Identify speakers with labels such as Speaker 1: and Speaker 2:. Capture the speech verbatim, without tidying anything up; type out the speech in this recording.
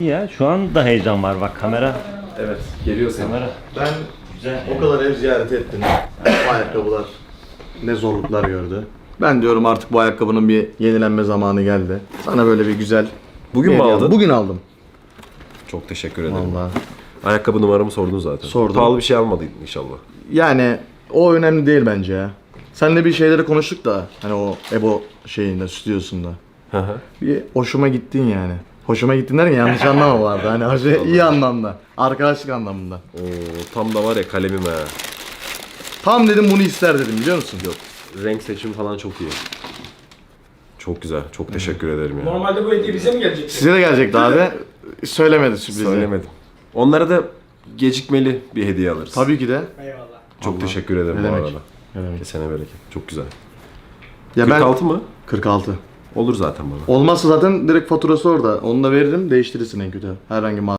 Speaker 1: Ya şu an da heyecan var bak kamera.
Speaker 2: Evet, geliyor seni.
Speaker 1: Kamera.
Speaker 3: Ben
Speaker 1: Güzel.
Speaker 3: o kadar ev ziyaret ettim. Bu ayakkabılar ne zorluklar gördü. Ben diyorum artık bu ayakkabının bir yenilenme zamanı geldi. Sana böyle bir güzel...
Speaker 2: Bugün
Speaker 3: bir
Speaker 2: mü
Speaker 3: hediye
Speaker 2: aldın?
Speaker 3: aldım. Bugün aldım.
Speaker 2: Çok teşekkür ederim.
Speaker 3: Vallahi.
Speaker 2: Ayakkabı numaramı sordun zaten.
Speaker 3: Sordum.
Speaker 2: Pahalı bir şey almadıydın inşallah.
Speaker 3: Yani o önemli değil bence ya. Seninle bir şeyleri konuştuk da hani o Ebo şeyinde, stüdyosunda.
Speaker 2: Hı hı.
Speaker 3: Bir hoşuma gittin yani. Hoşuma gittin derken yanlış anlama vardı. Hani hoş- iyi anlamda. Arkadaşlık anlamında.
Speaker 2: Oo, tam da var ya kalemim ha.
Speaker 3: Tam dedim bunu ister dedim biliyor musun?
Speaker 2: Yok. Renk seçimi falan çok iyi. Çok güzel. Çok teşekkür ederim ya.
Speaker 4: Normalde bu hediye bize mi gelecek?
Speaker 3: Size de gelecekti abi. Söylemedi sürprizi.
Speaker 2: Söylemedim. Onlara da gecikmeli bir hediye alırız.
Speaker 3: Tabii ki de.
Speaker 4: Eyvallah.
Speaker 2: Çok
Speaker 3: Allah.
Speaker 2: teşekkür ederim
Speaker 3: Ne
Speaker 2: bu
Speaker 3: demek?
Speaker 2: arada.
Speaker 3: Ne demek?
Speaker 2: Kesene bereket. Çok güzel.
Speaker 3: Ya
Speaker 2: kırk altı
Speaker 3: ben
Speaker 2: mı?
Speaker 3: kırk altı.
Speaker 2: Olur zaten bana.
Speaker 3: Olmazsa zaten direkt faturası orada. Onu da veririm, değiştirirsin en kötü. Herhangi bir